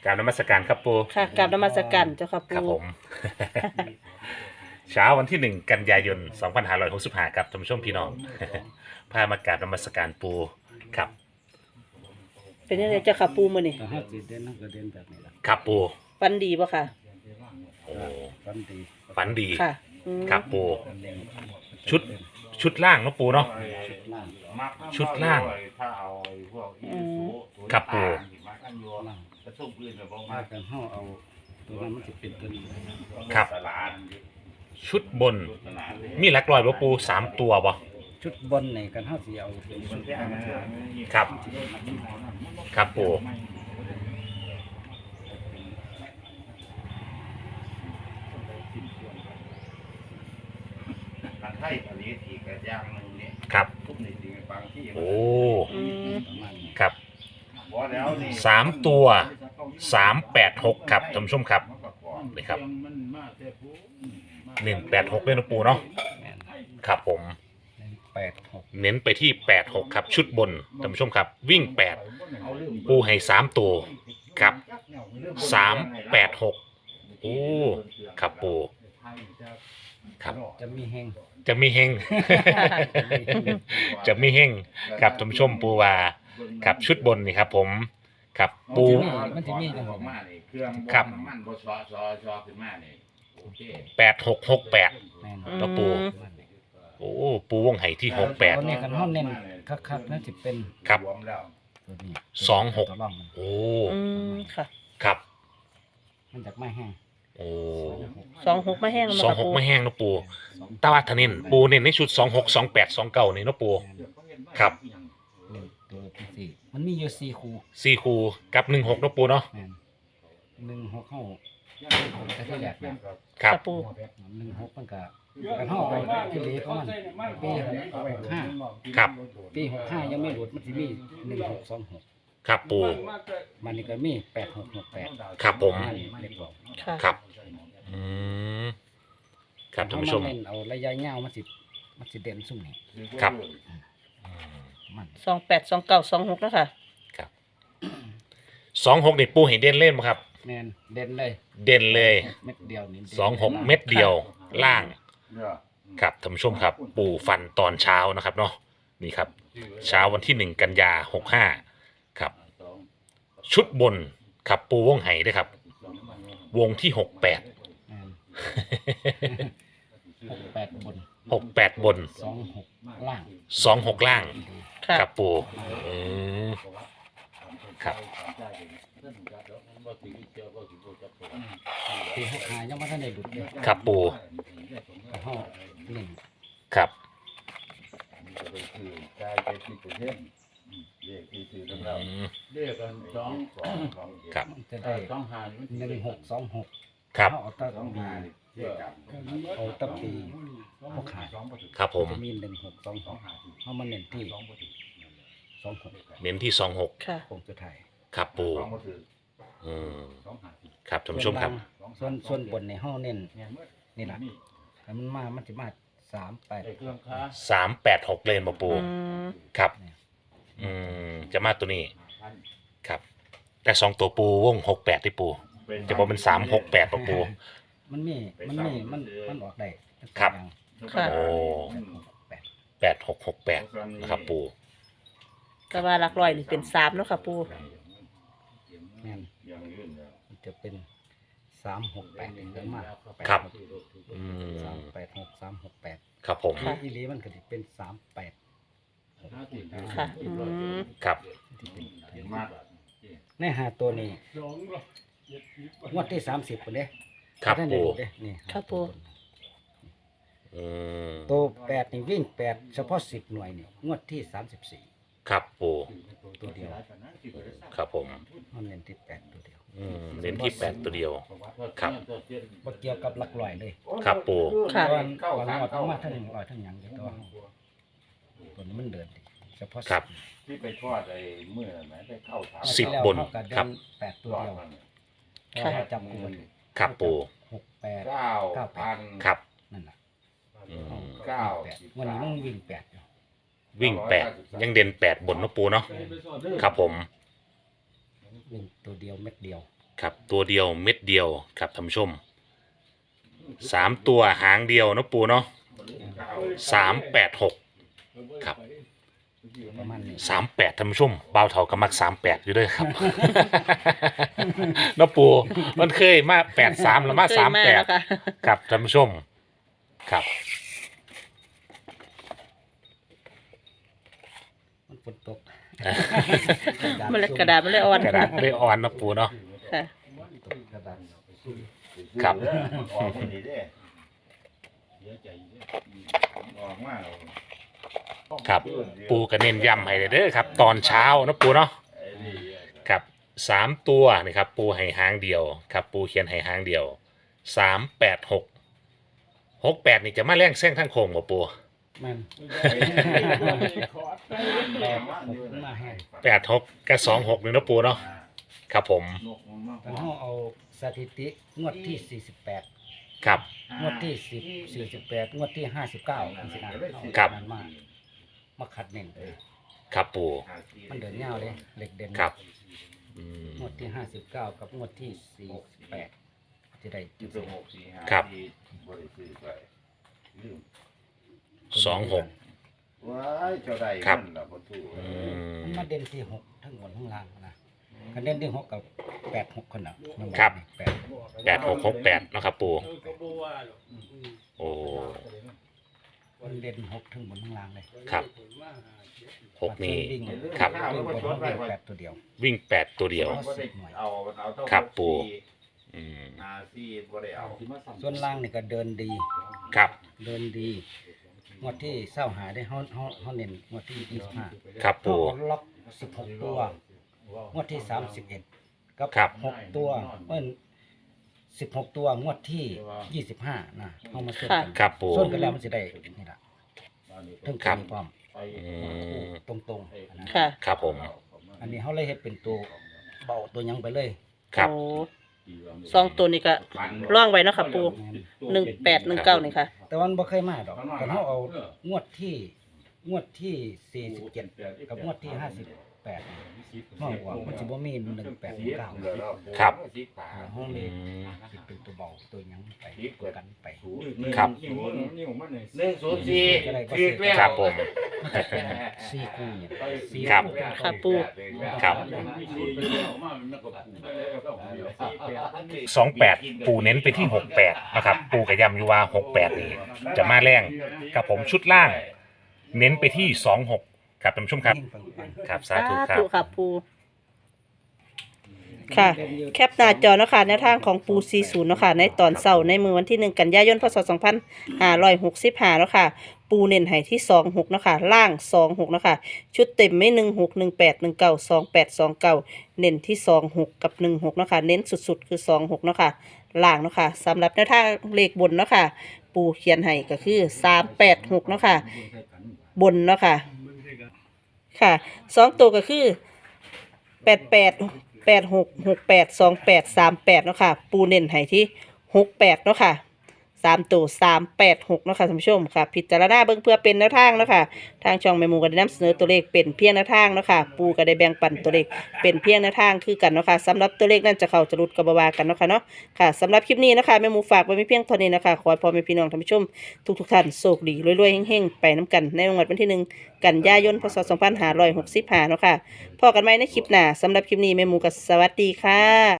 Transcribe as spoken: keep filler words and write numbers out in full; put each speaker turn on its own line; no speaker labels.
ราบนมัสการครับปู
ค่ะกราบนมัสการเจ้าค่ะ
ครับ
ปู
ผม เช้าวันที่หนึ่งกันยายนสองพันห้าร้อยหกสิบห้าครับท่านผู้ชมพี่น้อง พามากราบนมัสการปูครับ
เป็นยังไงเจ้าค่ะปูมื้อนี้
ถ้าห้าสิเด่นนั่นก็เด่นแบบนี้ละ
ครับปู
ฟันดีบ่ค่ะ
โอ้
ฟันดี
ฝันดี
ค่ะอืม
ครับปู
เด่น
ชุดชุดล่างเนาะปูเนาะ
ล่าง
ชุดล่าง
ถ้าเอาไอ้พวกอีซู
ครับปู่
มากันอยู่
ล่าง
กระตุ้นปืนแบบ
มา
มา
กันห้าเอาตัวนั้นมันจะเป็นตัวนี้
ครับ
ตลาด
ชุดบน
ตลาดเลย
มีหลักลอยบ่ปูสามตัวบ่
ชุดบนในกันห้าสีเอาเป็นชุดล่าง
ครับ ครับปู
กันไทยอันนี้ทีกระย่างนึงนี่
ครับ
ทุกในทีบางที่
โอ้
อืม
ประมาณนี้
ครับ
บ่แล้วนี่
สามตัวสามแปดหกครับท่านผู้ชมครับนี่ครับหนึ่งแปดหกเลยนะปูเนาะ
แม่น
ครับผม
แปดหก
เน้นไปที่แปดหกครับชุดบนท่านผู้ชมครับ วิ่งแปดปูให้สามตัวครับสามแปดหกโอ้ครับปูครับ
จะมีแห้ง
จะมีเฮง จะมีเฮงครับท่านผู้ชมปูว่าครับชุดบนนี่ครับ ผมครับปู
มันจะมีจังห
อ
วะ
อกมานี่เครื่อง
ครับ
น้ำมันบ่ซอซอซอขึ้นมานี่โอเค
แปดหกหกแปด
แม่น
แล้วปู โอ้ปูวงไห่ที่หกแปด
ตัวนี้กันห้าเน้นคักๆนั่นจะเป็น
ครับ
วมแล้ว
ตัวนี้
สองหก
ตัวร่องมัน
โอ้
อืมค่ะ
ครับ
มันจากไม้แห้ง
โอ้
สองหกมาแห้งแล้ว
สอง
ค่ะ
หก
ปู
ไม่แห้งนะปูแตว่าทานินปูเน้นในชุดสองหกสองแปดสองเก้านี่นะปูครับ
ตัวที่สี่มันมีอยู่สี่คู่
สี่คูกับหนึ่งหกนะปูเนาะ
แม่นหนึ่งหกเข้าแต่ที่แรกเนี่ย
ครับ
ค่ะปู
หนึ่งหกมันก็กันห้าไปที่เหลือของมันปีหกห้า
ครับ
ปีหกห้ายังไม่หลุดมันจะมีหนึ่งหกสองหก
ครับปู
มันนี่ก็มีแปดหกหกแปด
ครับผม
เรียบร้อย
ค่ะ
ครับอืมครับท่านผู้ชม
เเล่นเอาระยะยาวมันสิมันสิเด่นสุ่มนี่
ครับ อืม
มัน
สองแปดสองเก้าสองหกแล้วค่ะ
ครับสองหกนี่ปูเห็นเด่นเล่นไหมครับ
แมนเด่นเลย
เด่นเลย
เม็ดเดียวนี่ด่น
สองหกเม็ดเดียวล่าง
เนี่ย
ครับท่านผู้ชมครับ ปูฟันตอนเช้านะครับเนาะนี่ครับ เช้าวันที่หนึ่งกันยาหกห้าครับ ชุดบนครับปูวงไห่ด้วยครับ วงที่หกแปด
แม่นหกแปดบน
หกแปดบน
สองหกล่าง
สองหกล่าง
ค่ะ
ครับปูอืมครับ
ปีหกห้ายังไม่ทันได้หลุดเลย
ครับปู
ก็ห้าหนึ่ง
ครับ
คือใจไปที่ประเทศเรียกที่คือ
อื
แล้ว
ม
เรียกกันสองสองสอง
ครับ
มันจะได้
สองหา
หนึ่งหกสองหก
ครับ
เขาเอาแตั้
สอง
ปี
หาเรียกกัน
เอาแตั้ปีหกห้า
ครับผม
จะมีหนึ่งหกสองหกเขามาเน้นที่สองหก
เน้นที่สองหก
ค่ะ
คงจะถ่าย
ครับปู
สองมาถือ
อืม
สองหา
ครับท่านผู้ชมครับ
ส่วนส่วนบนในห้องเน้นนี่แหละถ้ามันมามันจะมาสามแปด
เครื่องค้า
สามแปดหกเลนมาปู
อืม
ครับ อืมจะมาตัวนี้ครับ แต่สองตัวปูวงหกแปดที่ปู จะบอกเป็นสามหกแปดปะปู
มันมีมันมีมันมันออกได้
ครับ
ค่ะ
โอ้
แปด
แปดหกหกแปดนะครับปู
แต่ว่าหลักร้อยนี่เป็นสามแล้วค่ะปู
แม่น
อย่างอื่นแล้ว
มันจะเป็นสามหกแปดถึงจะมา
ครับ อื
สาม
ม
แปดหกสามหกแปด
ครับผม
อีหลีมันก็จะเป็นสามแปดหก
ค่ะอืม
ครับ
ที่เป็น
เห็นมาก
ในหาตัวนี้งวดที่สามสิบคนเด้
ครับ
ท่านได้
ปู
ดูเด้นี่
ครับปู
อืม
ตัวแปดนี่วิ่งแปดเฉพาะสิบหน่วยนี่งวดที่สามสิบสี่
ครับปู
ตัวเดียว
ครับผม
มันเน้นที่แปดตัวเดียว
อืมเน้นที่แปดตัวเดียว ครับ
บ่เกี่ยวกับหลักร้อยเลย
ครับปู
ค่ะ
ตอนก่อนงวดทั้งมาทั้งร้อยทั้งหยังเลยตัวตัวนี้มันเดินดีเฉพาะ
ครับ
ที่ไปทอดไอ้เมื่อไหนไปเข้าถาม
สิบบน
เท่ากับเดื
ครั
อบ นแปดตัว
ทอด
เดียว
มัน
เพราะว่าจำกูมัน
ครับปู
หกแปด
เก้าพัน
ครับ
นั่นแหละ
อืม
เก้า
แปดวันนี้มันวิ่งแปดอยู่
วิ่งแปดยังเด่นแปดบนเนาะปูเนาะครับผม
วิ่งตัวเดียวเม็ดเดียว
ครับตัวเดียวเม็ดเดียวครับท่านผู้ชมสามตัวหางเดียวเนาะปูเนาะสามแปดหกครับ
ประมาณนี้
สามแปดท่านผู้ชมเบาเถากำมักสามแปดอยู่ด้วยครับ เนาะปูมันเคยมาแปดสามแล้วมา
เคย
สามแปด
แล้วค่ะ
ครับท่านผู้ชมครับ
มันฝนตก
มันเลยกระดาษมันเลยอ่อน
กระดาษเลยอ่อนเนาะปูเนาะ
ค่ะ
ตกกระดาษ
ครับ
ออกคนนี้เด้เสียใจเด้ออกมาแล้ว
ครับปูก็เน้นย้ำให้เด้อครับ ตอนเช้าเนาะปูเนาะ
ไอ้นี่
ครับสามตัวนี่ครับปูให้หางเดียวครับปูเขียนให้หางเดียวสามแปดหกหกแปดนี่จะมาแรงแซงทั้งโค้งบ่ปู
มันแปดหกมาแห้ง
แปดหกกับสองหกนี่เนาะปูเนาะครับผม
นกมันมา
ตอนห้องเอาสถิติงวดที่สี่สิบแปด
ครับ
งวดที่สิบสี่สิบแปดงวดที่ห้าสิบเก้าสินะครับ มันมามาขัดเน้น
ครับปู
มันเดินเงาเลยเหล็กเด่น
ครับอืม
งวดที่ห้าสิบเก้ากับงวดที่สี่สิบแปดจะได้จุด
สิบหกสี่ห้า
ครับ
ที่บริสุทธิ์ไปลืม
สองหก
ว้ายเจ้าใด
ครับ
มันล่ะบ่ถูก
อืม
มันมาเด่นที่หกทั้งบนทั้งล่างนะคะแนนที่หกกับแปดหกคนน่ะมันอก
ครับ
แปด
แปดหกหกแปดเนาะครับปูโอ้
มันเด่นหกทั้งบนทั้งล่างเลย
ครับหกนี่
วิ่ง
ครับ
วิ่งบนวิ่งแปดตัวเดียว
วิ่งแปดตัวเดียว
บ่ได้เอาเอาเท่า
ครับ
หก
ปู่
สี่
อืม
ห้าสี่บ่ได้เอา
ส่วนล่างนี่ก็เดินดี
ครับ
เดินดีงวดที่เศร้าหาได้เฮาเฮาเฮาเน้นงวดที่ยี่สิบห้า
ครับ
เฮา
ปู
เอาล็อกสิบหกตัวงวดที่สามสิบเอ็ดกับ
ครับ
หกตัวเอ้นสิบหกตัวงวดที่ยี่สิบห้านะเฮามาส่วนกัน
ครับปู
ส่วนกันแล้วมันจะได้นี่ล่ะถึง
ครั
จะ
บ
มีความ
อืม
ตรงๆนะ
ค่ะ
ครับผม
อันนี้เขาเลยเฮ็ดเป็นตัวเบาตัวหยังไปเลย
ครับ
โอ้สองตัวนี้ก็ร่องไว้เนาะค่ะปูหนึ่งแปดหนึ่งเก้านี่ค่ะ
แต่วันบ่เคยมาดอกแต่เขาเอางวดที่งวดที่สี่สิบเจ็ดกับงวดที่ห้าสิบแปดห้องว่ามันสิบ่มีหนึ่งแปดหนึ่งเก้า
ครับ
ห้อง
อื
นี้
ม
สิเป็นตัวเบาตัวหยังไปตัวกันไป
ครับ
หนึ่งศูนย์สี่ถูกแล้ว
ครับผม
มันจะเป็นสี่คู่เนี่ยสี่
ครับ
คู่
ค่ะปู
ครับ สองแปดปูเน้นไปที่หกแปดนะครับ ปูกระยำอยู่ว่าหกแปดนี่จะมาแรงกับผมชุดล่าง เน้นไปที่สองหกครับท่านผู้ชมครับ
ยิ่งปังๆ
ครับสาธุค
สา
รับ
ธุค่ะปูค่ะ แคปหน้าจอเนาะค่ะในทางของปูสี่สิบเนาะค่ะในตอนเสาร์ในมือวันที่หนึ่งกันยายนพศสองพันห้าร้อยหกสิบห้าเนาะค่ะปูเน้นให้ที่สองหกเนาะค่ะล่างสองหกเนาะค่ะชุดเต็มไม่หนึ่งหกหนึ่งแปดหนึ่งเก้าสองแปดสองเก้าเน้นที่สองหกกับหนึ่งหกเนาะค่ะเน้นสุดๆคือสองหกเนาะค่ะล่างเนาะค่ะสำหรับแนวทางเลขบนเนาะค่ะปูเขียนให้ก็คือสามแปดหกเนาะค่ะบนเนาะค่ะค่ะสองตัวก็คือแปดแปดแปดหกหกแปดสองแปดสามแปดเนาะค่ะปูเน้นให้ที่หกแปดเนาะค่ะสามตัวสามแปดหกเนาะค่ะท่านผู้ชมค่ะพิจารณาเบิ่งเพื่อเป็นแนวทางเนาะค่ะทางช่องแม่หมูก็ได้นำเสนอตัวเลขเป็นเพียงแนวทางเนาะค่ะปูก็ได้แบ่งปันตัวเลขเป็นเพียงแนวทางคือกันเนาะค่ะสำหรับตัวเลขนั้นจะเข้าจะหลุดก็บ่ว่ากันเนาะค่ะเนาะค่ะสำหรับคลิปนี้เนาะค่ะแม่หมูฝากไว้ไม่เพียงเท่านี้นะคะขอให้พ่อแม่พี่น้องท่านผู้ชมทุกๆท่านโชคดีรวยๆเฮงๆไปน้ำกันในงวดวันที่หนึ่งกันยายนพศสองพันห้าร้อยหกสิบห้าเนาะค่ะพบกันใหม่ในคลิปหน้าสำหรับคลิปนี้แม่หมูก็สวัสดีค่ะ